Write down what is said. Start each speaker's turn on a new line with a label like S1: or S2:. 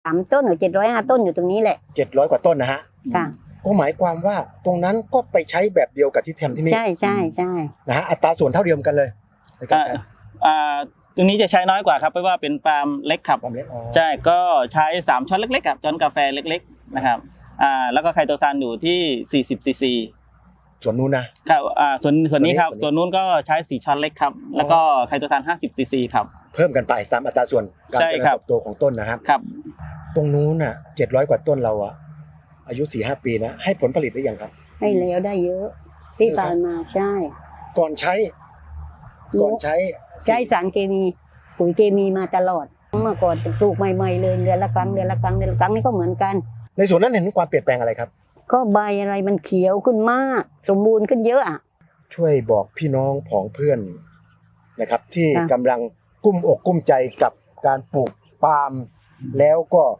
S1: 3 ต้นหรือ705 ต้นอยู่ตรงนี้แหละ
S2: 700 กว่าต้นนะฮะ
S1: ค่ะ
S2: ก็หมายความว่าตรงนั้นก็ไปใช้แบบเดียวกับที่ทำที่นี่
S1: ใช่
S2: นะฮะอัตราส่วนเท่าเดียวกันเลยในการใช้
S3: ตรงนี้จะใช้น้อยกว่าครับเพราะว่าเป็นปาล์มเล็กครับ
S2: ความเล็กอ๋อ
S3: ใช่ก็ใช้3ช้อนเล็กๆกับช้อนกาแฟเล็กๆนะครับแล้วก็ไคโตซานอยู่ที่40ซีซี
S2: ส่วนนู้นนะครับ
S3: ส่วนนี้ครับ
S2: ส่วนนี้
S3: ส่วนนู้นก็ใช้4ช้อนเล็กครับแล้วก็ไคโตซาน50ซีซีครับ
S2: เพิ่มกันไปตามอัตราส่วนการ
S3: ใช่
S2: เจริญ
S3: ครับ
S2: เติบโตของต้นนะครับ
S3: ครับ
S2: ตรงนู้นน่ะ700 กว่าต้นเราอะอายุ 4-5 ปีนะให้ผลผลิตได้ยังครับ
S1: ให้แล้วได้เยอะที่ผ่านมาใช่
S2: ก่อนใช้
S1: ใช้สารเคมีปุ๋ยเคมีมาตลอดเมื่อก่อนปลูกใหม่ๆเลยเดือนละครั้งนี่ก็เหมือนกัน
S2: ในส่วนนั้นเห็นความเปลี่ยนแปลงอะไรครับ
S1: ก็ใบอะไรมันเขียวขึ้นมากสมบูรณ์ขึ้นเยอะอ่ะ
S2: ช่วยบอกพี่น้องผองเพื่อนนะครับ ที่
S1: ค่ะ
S2: กำลังกุ้มอกกุ้มใจกับการปลูกปาล์มแล้วก็